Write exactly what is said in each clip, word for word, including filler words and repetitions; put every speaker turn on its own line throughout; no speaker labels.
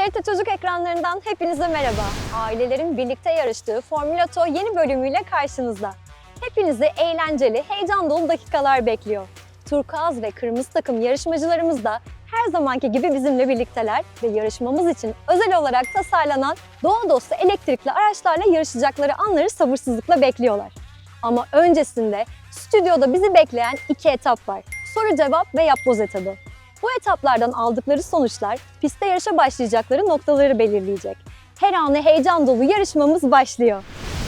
T R T Çocuk ekranlarından hepinize merhaba. Ailelerin birlikte yarıştığı Formula Oto yeni bölümüyle karşınızda. Hepinizi eğlenceli, heyecan dolu dakikalar bekliyor. Turkuaz ve kırmızı takım yarışmacılarımız da her zamanki gibi bizimle birlikteler ve yarışmamız için özel olarak tasarlanan doğa dostu elektrikli araçlarla yarışacakları anları sabırsızlıkla bekliyorlar. Ama öncesinde stüdyoda bizi bekleyen iki etap var. Soru cevap ve yapboz etabı. Bu etaplardan aldıkları sonuçlar pistte yarışa başlayacakları noktaları belirleyecek. Her anı heyecan dolu yarışmamız başlıyor.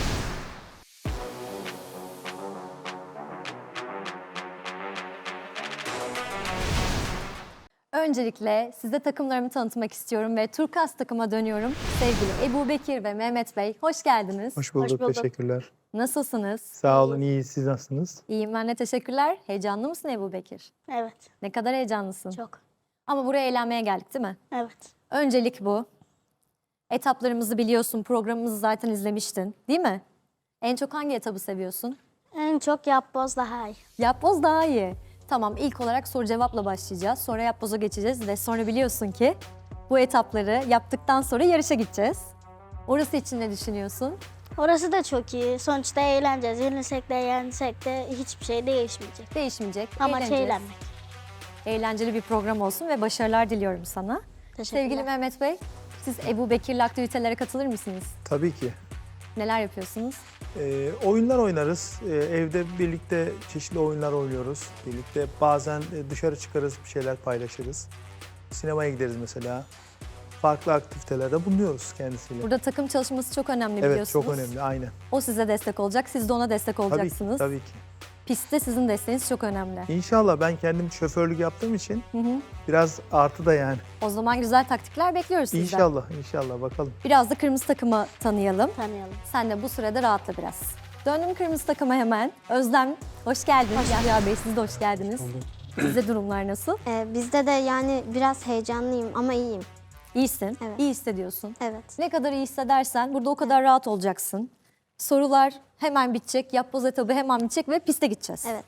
Öncelikle size takımlarımı tanıtmak istiyorum ve Turkuaz takıma dönüyorum. Sevgili Ebubekir ve Mehmet Bey, hoş geldiniz.
Hoş bulduk,
Hoş bulduk.
teşekkürler.
Nasılsınız?
Sağ olun, iyiyiz. Siz nasılsınız?
İyiyim ben de teşekkürler. Heyecanlı mısın Ebubekir?
Evet,
Ne kadar heyecanlısın?
çok.
Ama buraya eğlenmeye geldik değil mi?
Evet,
Öncelik bu. Etaplarımızı biliyorsun, programımızı zaten izlemiştin, değil mi? En çok hangi etabı seviyorsun?
en çok yapboz daha iyi.
Yapboz daha iyi. Tamam, ilk olarak soru cevapla başlayacağız. Sonra yapboza geçeceğiz ve sonra biliyorsun ki bu etapları yaptıktan sonra yarışa gideceğiz. Orası için ne düşünüyorsun?
Orası da çok iyi. Sonuçta eğleneceğiz. Yenilsek de yensek de hiçbir şey değişmeyecek.
Değişmeyecek.
Amaç
eğleneceğiz.
eğlenmek.
Eğlenceli bir program olsun ve başarılar diliyorum sana.
Teşekkürler.
Sevgili Mehmet Bey, siz Ebubekir'le aktivitelere katılır mısınız?
Tabii ki.
Neler yapıyorsunuz?
Ee, oyunlar oynarız. Ee, evde birlikte çeşitli oyunlar oynuyoruz. Birlikte bazen e, dışarı çıkarız, bir şeyler paylaşırız. Sinemaya gideriz mesela. Farklı aktivitelerde bulunuyoruz kendisiyle.
Burada takım çalışması çok önemli
Evet,
biliyorsunuz.
çok önemli, aynen.
O size destek olacak, siz de ona destek
Tabii ki,
olacaksınız.
tabii ki.
Pistte sizin desteğiniz çok önemli.
İnşallah ben kendim şoförlük yaptığım için
Hı hı.
biraz artı da yani.
O zaman güzel taktikler bekliyoruz sizden.
İnşallah, inşallah bakalım.
Biraz da kırmızı takımı tanıyalım.
Tanıyalım.
Sen de bu sürede rahatla biraz. Döndüm kırmızı takıma hemen. Özlem, hoş geldiniz. Yahya Bey, siz de hoş geldiniz. Sizde durumlar nasıl?
Ee, bizde de yani biraz heyecanlıyım ama iyiyim.
İyisin,
Evet.
iyi hissediyorsun.
Evet.
Ne kadar iyi hissedersen burada o kadar rahat olacaksın. Sorular hemen bitecek, yapboz etabı hemen bitecek ve piste gideceğiz.
Evet.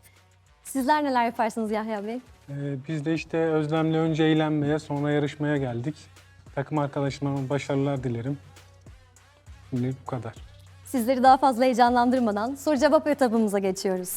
Sizler neler yaparsınız Yahya Bey?
Ee, biz de işte Özlem'le önce eğlenmeye, sonra yarışmaya geldik. Takım arkadaşlarıma başarılar dilerim. Şimdi bu kadar.
Sizleri daha fazla heyecanlandırmadan soru cevap etabımıza geçiyoruz.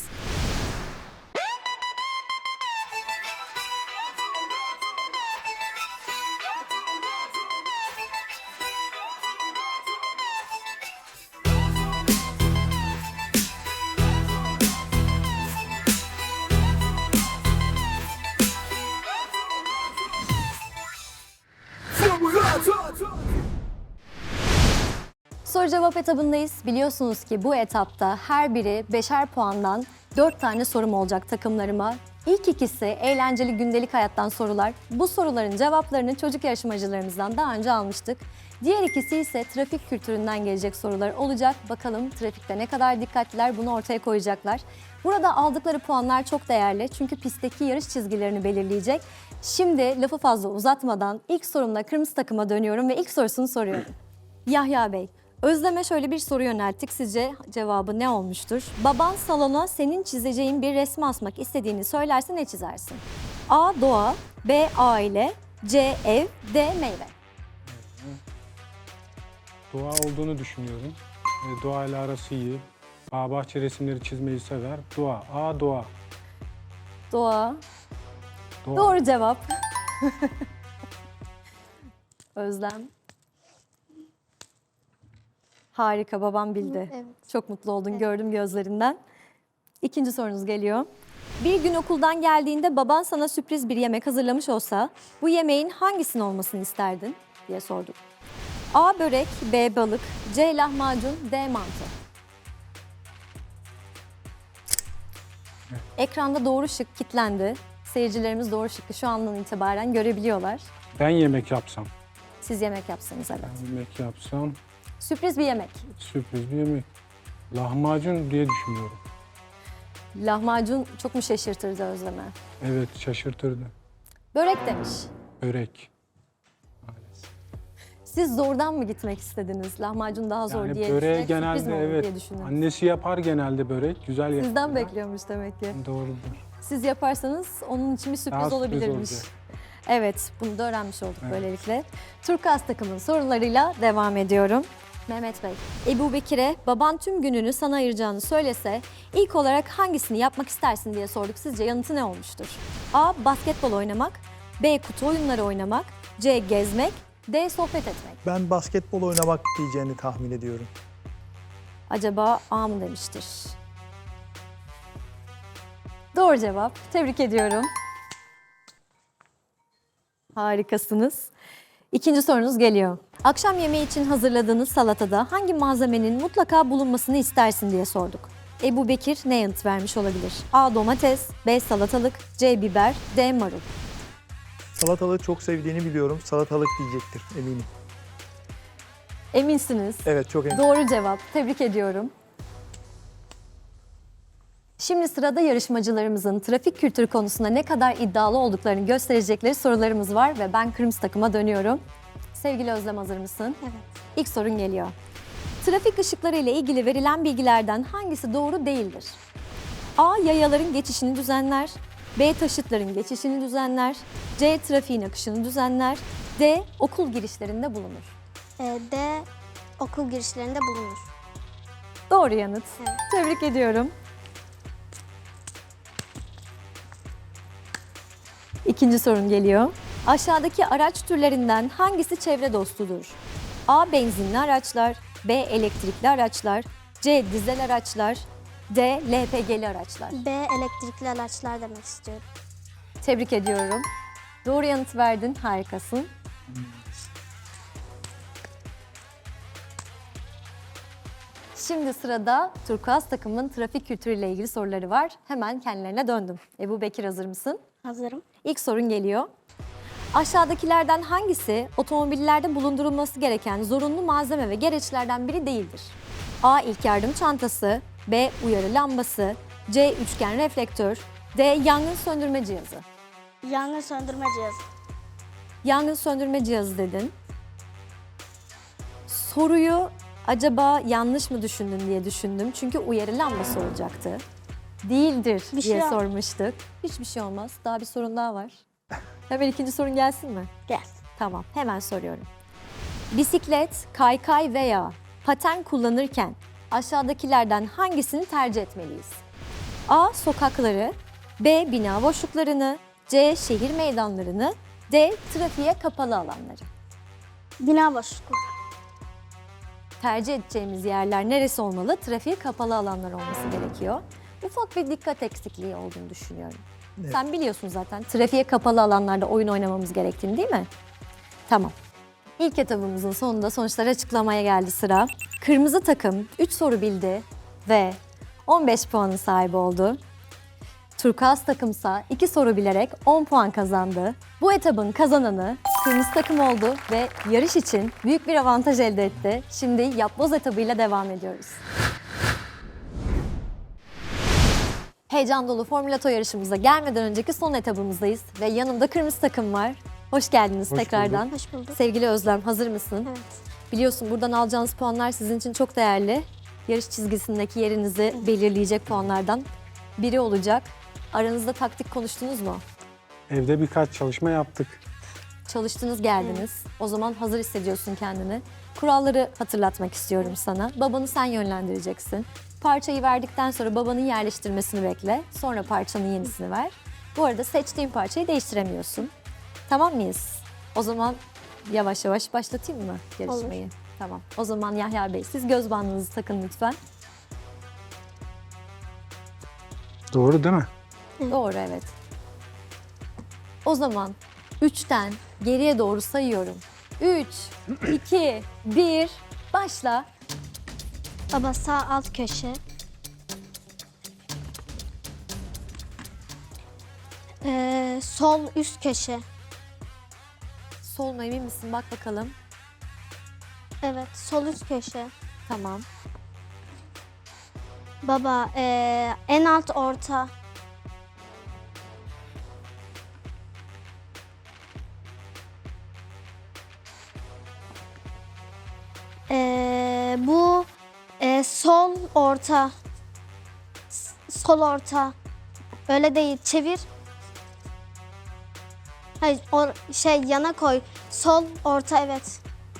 Soru cevap etabındayız. Biliyorsunuz ki bu etapta her biri beşer puandan dört tane sorum olacak takımlarıma. İlk ikisi eğlenceli gündelik hayattan sorular. Bu soruların cevaplarını çocuk yarışmacılarımızdan daha önce almıştık. Diğer ikisi ise trafik kültüründen gelecek sorular olacak. Bakalım trafikte ne kadar dikkatliler bunu ortaya koyacaklar. Burada aldıkları puanlar çok değerli çünkü pistteki yarış çizgilerini belirleyecek. Şimdi lafı fazla uzatmadan ilk sorumla kırmızı takıma dönüyorum ve ilk sorusunu soruyorum. Yahya Bey, Özlem'e şöyle bir soru yönelttik. Sizce cevabı ne olmuştur? Baban salona senin çizeceğin bir resmi asmak istediğini söylerse ne çizersin? A. Doğa, B. Aile, C. Ev, D. Meyve.
Doğa olduğunu düşünüyorum. Ee, doğayla arası iyi. Bağ bahçe resimleri çizmeyi sever. Doğa. A doğa.
Doğa.
Doğa.
Doğru cevap. Özlem. Harika, babam bildi.
Evet.
Çok mutlu oldun, gördüm gözlerinden. İkinci sorunuz geliyor. Bir gün okuldan geldiğinde baban sana sürpriz bir yemek hazırlamış olsa bu yemeğin hangisinin olmasını isterdin diye sorduk. A. Börek, B. Balık, C. Lahmacun, D. Mantı. Ekranda doğru şık kilitlendi. Seyircilerimiz doğru şıkkı şu andan itibaren görebiliyorlar.
Ben yemek yapsam.
Siz yemek yapsanız evet.
Ben yemek yapsam
Sürpriz bir yemek.
sürpriz bir yemek. Lahmacun diye düşünüyorum.
Lahmacun çok mu şaşırtırdı Özlem'e?
Evet, şaşırtırdı.
Börek demiş.
Börek. Maalesef.
Siz zordan mı gitmek istediniz? Lahmacun daha zor
Yani
diye
böreği
düşünerek sürpriz mi
genelde
olur
evet.
diye düşündünüz.
Annesi yapar genelde börek. Güzel yapar.
Sizden bekliyormuş demek ki.
Doğrudur.
Siz yaparsanız onun için bir sürpriz
Daha sürpriz
olabilirmiş.
olacak.
Evet, bunu da öğrenmiş olduk
Evet.
böylelikle. Turkuaz takımın sorularıyla devam ediyorum. Mehmet Bey, Ebu Bekir'e baban tüm gününü sana ayıracağını söylese ilk olarak hangisini yapmak istersin diye sorduk. Sizce yanıtı ne olmuştur? A. Basketbol oynamak, B. Kutu oyunları oynamak, C. Gezmek, D. Sohbet etmek.
Ben basketbol oynamak diyeceğini tahmin ediyorum.
Acaba A mı demiştir? Doğru cevap. Tebrik ediyorum. Harikasınız. İkinci sorunuz geliyor. Akşam yemeği için hazırladığınız salatada hangi malzemenin mutlaka bulunmasını istersin diye sorduk. Ebu Bekir ne yanıt vermiş olabilir? A. Domates, B. Salatalık, C. Biber, D. Marul.
Salatalığı çok sevdiğini biliyorum. Salatalık diyecektir eminim.
Eminsiniz.
Evet, çok eminim.
Doğru cevap. Tebrik ediyorum. Şimdi sırada yarışmacılarımızın trafik kültürü konusunda ne kadar iddialı olduklarını gösterecekleri sorularımız var ve ben kırmızı takıma dönüyorum. Sevgili Özlem, hazır mısın?
Evet.
İlk sorun geliyor. Trafik ışıkları ile ilgili verilen bilgilerden hangisi doğru değildir? A. Yayaların geçişini düzenler. B. Taşıtların geçişini düzenler. C. Trafiğin akışını düzenler. D. Okul girişlerinde bulunur.
Ee, D. Okul girişlerinde bulunur.
Doğru yanıt.
Evet.
Tebrik ediyorum. İkinci sorun geliyor. Aşağıdaki araç türlerinden hangisi çevre dostudur? A. Benzinli araçlar, B. Elektrikli araçlar, C. Dizel araçlar, D. L P G'li araçlar.
B. Elektrikli araçlar demek istiyorum.
Tebrik ediyorum. Doğru yanıt verdin, harikasın. Şimdi sırada Turkuaz takımın trafik kültürüyle ilgili soruları var. Hemen kendilerine döndüm. Ebu Bekir, hazır mısın?
Hazırım.
İlk sorun geliyor. Aşağıdakilerden hangisi otomobillerde bulundurulması gereken zorunlu malzeme ve gereçlerden biri değildir? A. İlk yardım çantası, B. Uyarı lambası, C. Üçgen reflektör, D. Yangın söndürme cihazı.
Yangın söndürme cihazı.
Yangın söndürme cihazı dedin. Soruyu acaba yanlış mı düşündün diye düşündüm. Çünkü uyarı lambası olacaktı. Değildir
Bir
diye
şey yok.
sormuştuk. Hiçbir şey olmaz. Daha bir sorun daha var. Hemen ikinci sorun gelsin mi?
Gel.
Tamam, hemen soruyorum. Bisiklet, kaykay veya paten kullanırken aşağıdakilerden hangisini tercih etmeliyiz? A. Sokakları, B. Bina boşluklarını, C. Şehir meydanlarını, D. Trafiğe kapalı alanları.
Bina boşlukları.
Tercih edeceğimiz yerler neresi olmalı? Trafiğe kapalı alanlar olması gerekiyor. Ufak bir dikkat eksikliği olduğunu düşünüyorum.
Evet.
Sen biliyorsun zaten trafiğe kapalı alanlarda oyun oynamamız gerektiğini, değil mi? Tamam. İlk etabımızın sonunda sonuçları açıklamaya geldi sıra. Kırmızı takım üç soru bildi ve on beş puanın sahibi oldu. Turkuaz takımsa iki soru bilerek on puan kazandı. Bu etabın kazananı kırmızı takım oldu ve yarış için büyük bir avantaj elde etti. Şimdi yapboz etabıyla devam ediyoruz. Heyecan dolu Formülato yarışımıza gelmeden önceki son etabımızdayız ve yanımda kırmızı takım var. Hoş geldiniz
Hoş
tekrardan.
Hoş bulduk.
Sevgili Özlem, hazır mısın?
Evet.
Biliyorsun buradan alacağınız puanlar sizin için çok değerli. Yarış çizgisindeki yerinizi belirleyecek puanlardan biri olacak. Aranızda taktik konuştunuz mu?
Evde birkaç çalışma yaptık.
Çalıştınız, geldiniz. O zaman hazır hissediyorsun kendini. Kuralları hatırlatmak istiyorum sana. Babanı sen yönlendireceksin. Parçayı verdikten sonra babanın yerleştirmesini bekle. Sonra parçanın yenisini ver. Bu arada seçtiğin parçayı değiştiremiyorsun. Tamam mıyız? O zaman yavaş yavaş başlatayım mı yarışmayı? Tamam. O zaman Yahya Bey, siz göz bandınızı takın lütfen.
Doğru değil mi?
Doğru, evet. O zaman üçten geriye doğru sayıyorum. üç, iki, bir, başla.
Baba sağ alt köşe. Ee, sol üst köşe.
Sol mu, emin misin? Bak bakalım.
Evet, sol üst köşe.
Tamam.
Baba ee, en alt orta. Ee, bu ee, sol orta. S- Sol orta. Öyle değil, çevir. Hayır, or- şey yana koy. Sol, orta, evet.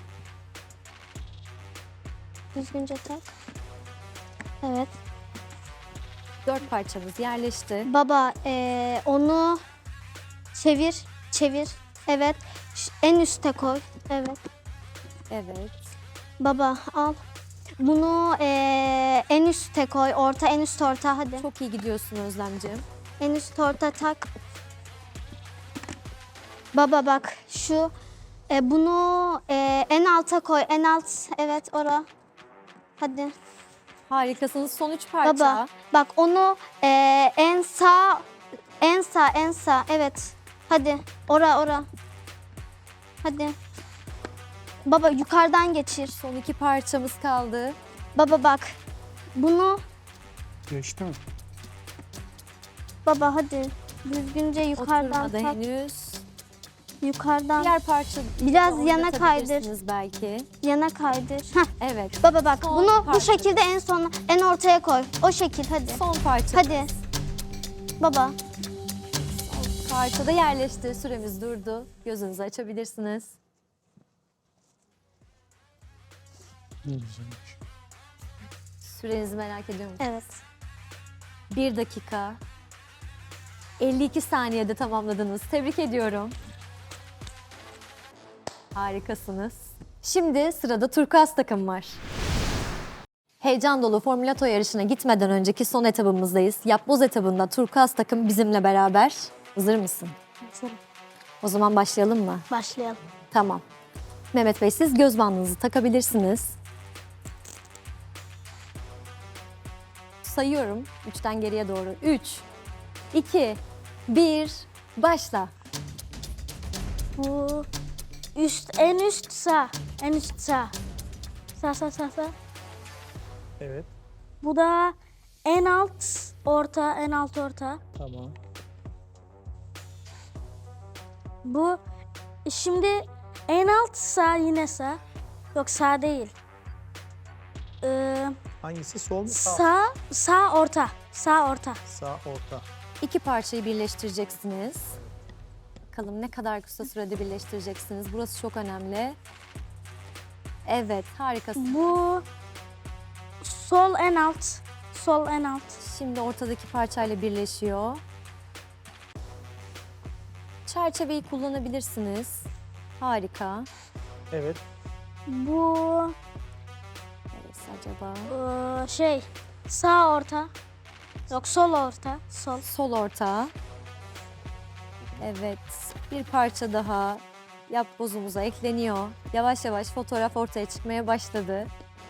Düzgünce tak. Evet.
Dört parçamız yerleşti.
Baba ee, onu çevir, çevir. Evet. Ş- En üste koy. Evet.
Evet.
Baba al. Bunu ee, en üste koy. Orta, en üst orta hadi.
Çok iyi gidiyorsun Özlemciğim.
En üst orta tak. Baba bak şu e, bunu e, en alta koy. En alt evet ora. Hadi.
Harikasınız. Son üç parça.
Baba bak onu e, en sağ en sağ en sağ evet. Hadi ora ora. Hadi. Baba yukarıdan geçir.
Son iki parçamız kaldı.
Baba bak. Bunu
Geçti mi?
baba hadi düzgünce yukarıdan
Oturmadı
tak.
henüz.
Yukarıdan
Diğer parça
Biraz yana
oynatabilirsiniz belki.
yana kaydır. Heh.
Evet.
Baba bak
Son
bunu bu
parça.
şekilde en son en ortaya koy. O şekil hadi.
Son parça.
Hadi. Baba.
Son parçada yerleşti. Süremiz durdu. Gözünüzü açabilirsiniz.
Ne güzelmiş.
Sürenizi merak ediyor musunuz?
Evet.
Bir dakika. elli iki saniyede tamamladınız. Tebrik ediyorum. Harikasınız. Şimdi sırada turkuaz takım var. Heyecan dolu Formülato yarışına gitmeden önceki son etabımızdayız. Yapboz etabında turkuaz takım bizimle beraber. Hazır mısın?
Hazırım.
O zaman başlayalım mı?
Başlayalım.
Tamam. Mehmet Bey siz göz bandınızı takabilirsiniz. Sayıyorum üçten geriye doğru. üç, iki, bir, başla.
Bu üst, en üst sağ. En üst sağ. Sağ sağ sağ sağ.
Evet.
Bu da en alt orta, en alt orta.
Tamam.
Bu şimdi en alt sağ yine sağ. Yok sağ değil. Ee,
Hangisi? Sol mu? Sağ.
sağ, sağ orta. Sağ orta.
Sağ, orta.
İki parçayı birleştireceksiniz. Bakalım ne kadar kısa sürede birleştireceksiniz. Burası çok önemli. Evet, harikasın.
Bu sol en alt. Sol en alt.
Şimdi ortadaki parçayla birleşiyor. Çerçeveyi kullanabilirsiniz. Harika.
Evet.
Bu
Neresi acaba?
ee, şey sağ orta. Yok sol orta. Sol.
Sol orta. Evet, bir parça daha yapbozumuza ekleniyor. Yavaş yavaş fotoğraf ortaya çıkmaya başladı.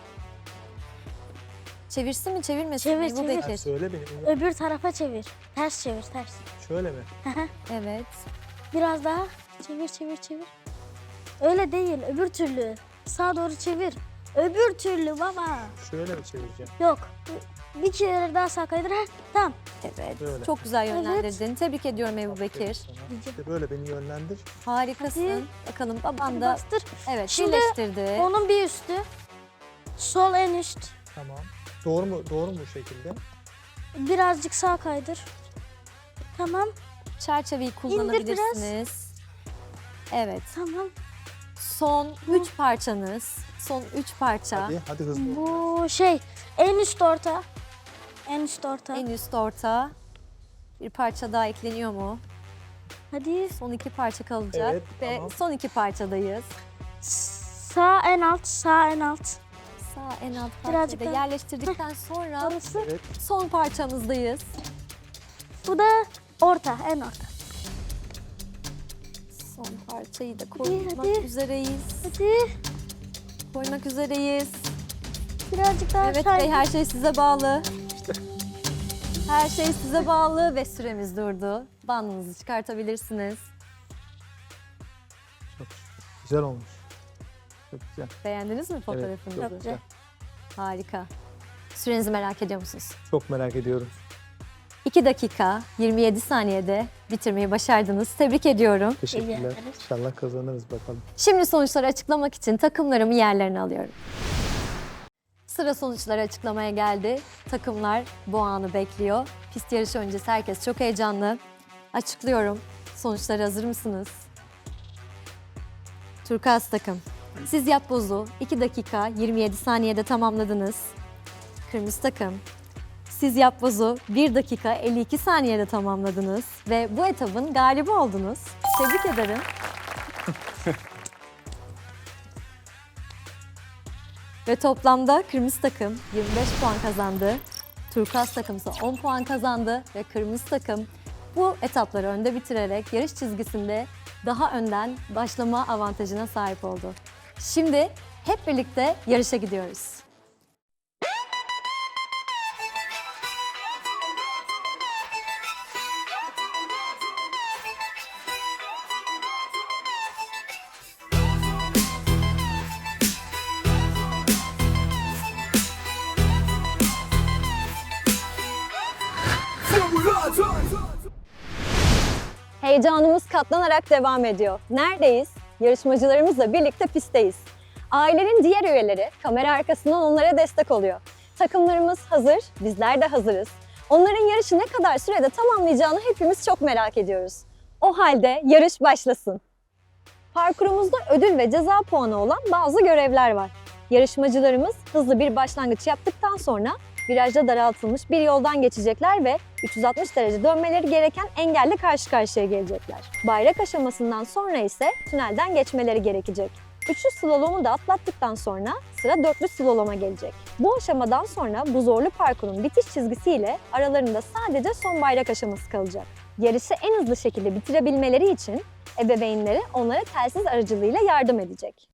Çevirsin mi çevirmesin
Çevir,
mi? Bu
çevir.
Ha,
Bekir.
söyle benim.
Öbür tarafa çevir. Ters çevir, ters.
Şöyle mi?
Evet.
Biraz daha çevir, çevir, çevir. Öyle değil, öbür türlü. Sağa doğru çevir. Öbür türlü baba.
Şöyle mi çevireceğim?
Yok. Bir kere daha sağa kaydır. Heh, tamam.
Evet.
Böyle.
Çok güzel
Evet.
yönlendirdin. Tebrik ediyorum Ebu Bekir.
Sana. İşte böyle beni yönlendir.
Harikasın.
Hadi.
Bakalım baban
Hadi
da
bastır.
evet
Şimdi
birleştirdi.
Onun bir üstü. Sol en üst.
Tamam. Doğru mu? Doğru mu bu şekilde?
Birazcık sağa kaydır. Tamam,
Çerçeveyi kullanabilirsiniz. Evet.
tamam.
Son üç parçanız. Son üç parça.
Hadi, hadi hızlı ol.
Bu şey, en üst orta. En üst orta.
En üst orta. Bir parça daha ekleniyor mu?
Hadi.
Son iki parça kalacak
Evet,
ve
tamam.
son iki parçadayız.
Sağ en alt, sağ en alt.
Sağ en alt
Birazcık
parçayı da
daha.
yerleştirdikten sonra
Orası.
Evet.
son parçamızdayız.
Bu da orta, en orta.
Son parçayı da koymak
hadi.
üzereyiz.
Hadi.
Koymak üzereyiz.
Birazcık daha
Evet
aşağı
Bey,
in.
her şey size bağlı. Her şey size bağlı ve süremiz durdu. Bandınızı çıkartabilirsiniz.
Çok güzel olmuş. Çok güzel.
Beğendiniz mi
Evet,
fotoğrafınızı?
çok güzel.
Harika. Sürenizi merak ediyor musunuz?
Çok merak ediyorum.
iki dakika yirmi yedi saniyede bitirmeyi başardınız. Tebrik ediyorum.
Teşekkürler.
ederiz.
İnşallah kazanırız bakalım.
Şimdi sonuçları açıklamak için takımlarımı yerlerine alıyorum. Sıra sonuçları açıklamaya geldi. Takımlar bu anı bekliyor. Pist yarışı öncesi herkes çok heyecanlı. Açıklıyorum. Sonuçlara hazır mısınız? Turkuaz takım. Siz yapbozu iki dakika yirmi yedi saniyede tamamladınız. Kırmızı takım. Siz yapbozu bir dakika elli iki saniyede tamamladınız ve bu etabın galibi oldunuz. Tebrik ederim. Ve toplamda kırmızı takım yirmi beş puan kazandı. Turkuaz takım ise on puan kazandı ve kırmızı takım bu etapları önde bitirerek yarış çizgisinde daha önden başlama avantajına sahip oldu. Şimdi hep birlikte yarışa gidiyoruz. Heyecanımız katlanarak devam ediyor. Neredeyiz? Yarışmacılarımızla birlikte pistteyiz. Ailenin diğer üyeleri kamera arkasından onlara destek oluyor. Takımlarımız hazır, bizler de hazırız. Onların yarışı ne kadar sürede tamamlayacağını hepimiz çok merak ediyoruz. O halde yarış başlasın. Parkurumuzda ödül ve ceza puanı olan bazı görevler var. Yarışmacılarımız hızlı bir başlangıç yaptıktan sonra virajda daraltılmış bir yoldan geçecekler ve üç yüz altmış derece dönmeleri gereken engelle karşı karşıya gelecekler. Bayrak aşamasından sonra ise tünelden geçmeleri gerekecek. Üçlü slalomu da atlattıktan sonra sıra dörtlü slaloma gelecek. Bu aşamadan sonra bu zorlu parkurun bitiş çizgisiyle aralarında sadece son bayrak aşaması kalacak. Yarışı en hızlı şekilde bitirebilmeleri için ebeveynleri onlara telsiz aracılığıyla yardım edecek.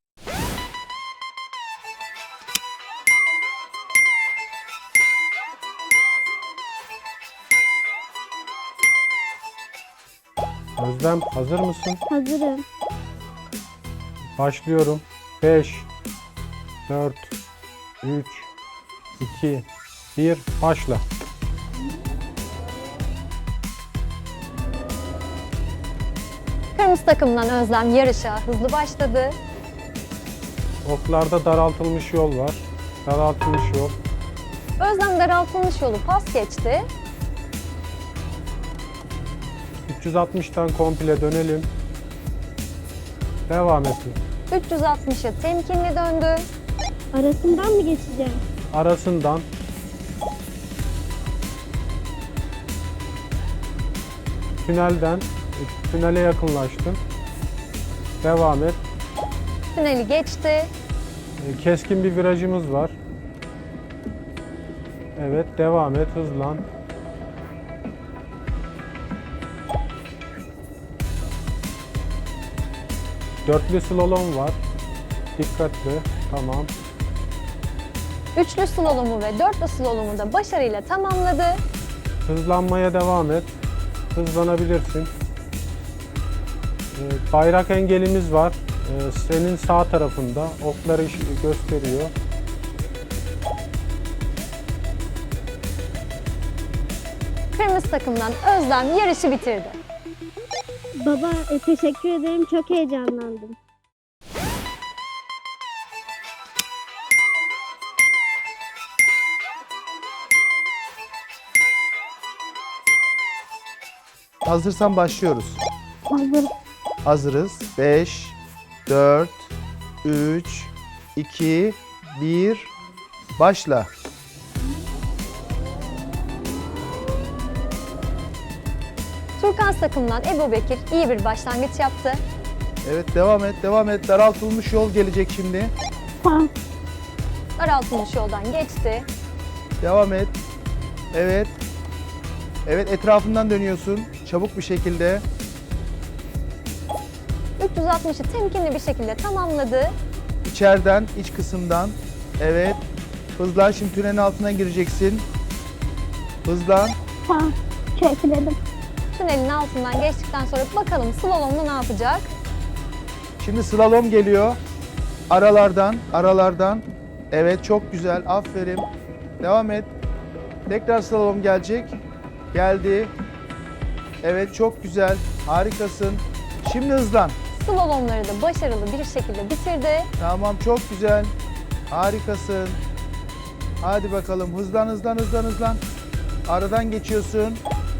Özlem hazır mısın?
Hazırım.
Başlıyorum. beş, dört, üç, iki, bir, başla.
Kırmızı takımdan Özlem yarışa hızlı başladı.
Oklarda daraltılmış yol var. Daraltılmış yol.
Özlem daraltılmış yolu pas geçti.
üç yüz altmıştan komple dönelim. Devam et.
üç yüz altmışa temkinli döndü.
Arasından mı geçeceğim?
Arasından tünelden tünele yakınlaştın. Devam et.
Tüneli geçti.
E, Keskin bir virajımız var. Evet, devam et, hızlan. Dörtlü slalom var. Dikkatli. Tamam.
Üçlü slalomu ve dörtlü slalomu da başarıyla tamamladı.
Hızlanmaya devam et. Hızlanabilirsin. Ee, bayrak engelimiz var. Ee, senin sağ tarafında. Okları iş- gösteriyor.
Kırmızı takımdan Özlem yarışı bitirdi.
Baba e, teşekkür ederim. Çok heyecanlandım.
Hazırsan başlıyoruz.
Hazır.
Hazırız. beş, dört, üç, iki, bir, başla.
Turkuaz takımdan Ebu Bekir iyi bir başlangıç yaptı.
Evet, devam et, devam et. Daraltılmış yol gelecek şimdi.
Tamam.
Daraltılmış yoldan geçti.
Devam et. Evet. Evet, etrafından dönüyorsun. Çabuk bir şekilde.
üç yüz altmışı temkinli bir şekilde tamamladı.
İçeriden, iç kısımdan. Evet. Hızlan, şimdi tünelin altına gireceksin. Hızlan.
Tamam. Çekilelim.
Tünelin altından geçtikten sonra bakalım slalomda ne yapacak?
Şimdi slalom geliyor. Aralardan, aralardan. Evet, çok güzel. Aferin. Devam et. Tekrar slalom gelecek. Geldi. Evet, çok güzel. Harikasın. Şimdi hızlan.
Slalomları da başarılı bir şekilde bitirdi.
Tamam, çok güzel. Harikasın. Hadi bakalım. Hızlan, hızlan, hızlan, hızlan. Aradan geçiyorsun.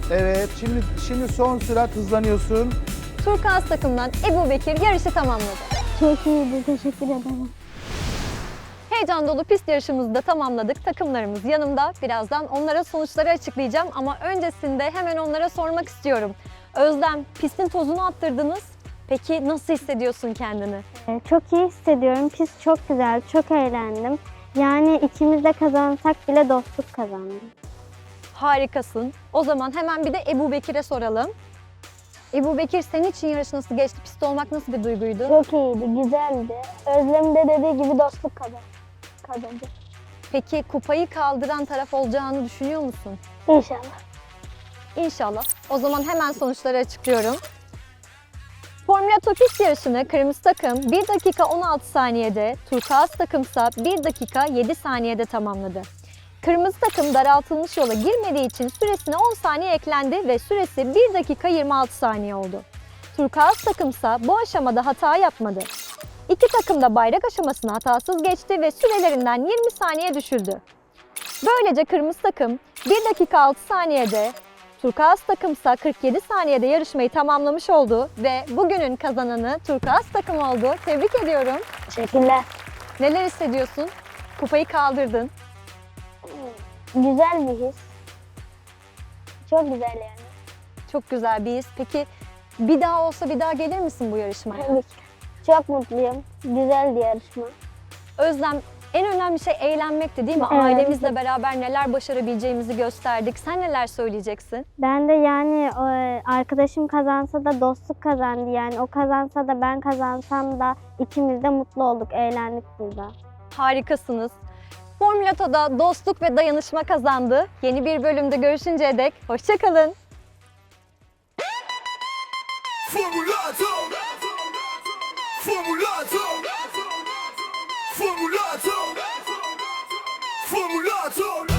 Evet, şimdi şimdi son sürat hızlanıyorsun.
Turkuaz takımdan Ebu Bekir yarışı tamamladı.
Çok iyiydi. Teşekkür ederim.
Heyecan dolu pist yarışımızı da tamamladık. Takımlarımız yanımda. Birazdan onlara sonuçları açıklayacağım ama öncesinde hemen onlara sormak istiyorum. Özlem, pistin tozunu attırdınız. Peki nasıl hissediyorsun kendini?
Ee, Çok iyi hissediyorum. Pist çok güzel, çok eğlendim. Yani ikimiz de kazansak bile dostluk kazandık.
Harikasın. O zaman hemen bir de Ebu Bekir'e soralım. Ebu Bekir, senin için yarış nasıl geçti? Pistte olmak nasıl bir duyguydu?
Çok iyiydi. Güzeldi. Özlem de dediği gibi dostluk kazan kazandı.
Peki kupayı kaldıran taraf olacağını düşünüyor musun?
İnşallah.
İnşallah. O zaman hemen sonuçları açıklıyorum. Formula Topist yarışını kırmızı takım bir dakika on altı saniyede, turkuaz takımsa bir dakika yedi saniyede tamamladı. Kırmızı takım daraltılmış yola girmediği için süresine on saniye eklendi ve süresi bir dakika yirmi altı saniye oldu. Turkuaz takımsa bu aşamada hata yapmadı. İki takım da bayrak aşamasını hatasız geçti ve sürelerinden yirmi saniye düşüldü. Böylece kırmızı takım bir dakika altı saniyede, turkuaz takımsa kırk yedi saniyede yarışmayı tamamlamış oldu ve bugünün kazananı turkuaz takım oldu. Tebrik ediyorum.
Teşekkürler.
Neler hissediyorsun? Kupayı kaldırdın.
Güzel bir his. Çok güzel yani.
Çok güzel bir his. Peki bir daha olsa bir daha gelir misin bu yarışmaya?
Tabii ki. Çok mutluyum. Güzeldi yarışma.
Özlem, en önemli şey eğlenmekti değil mi?
Evet.
Ailemizle beraber neler başarabileceğimizi gösterdik. Sen neler söyleyeceksin?
Ben de yani e, arkadaşım kazansa da dostluk kazandı. Yani o kazansa da ben kazansam da ikimiz de mutlu olduk, eğlendik burada.
Harikasınız. Formülato'da dostluk ve dayanışma kazandı. Yeni bir bölümde görüşünceye dek hoşça kalın.
Formulato Formulato Formulato Formulato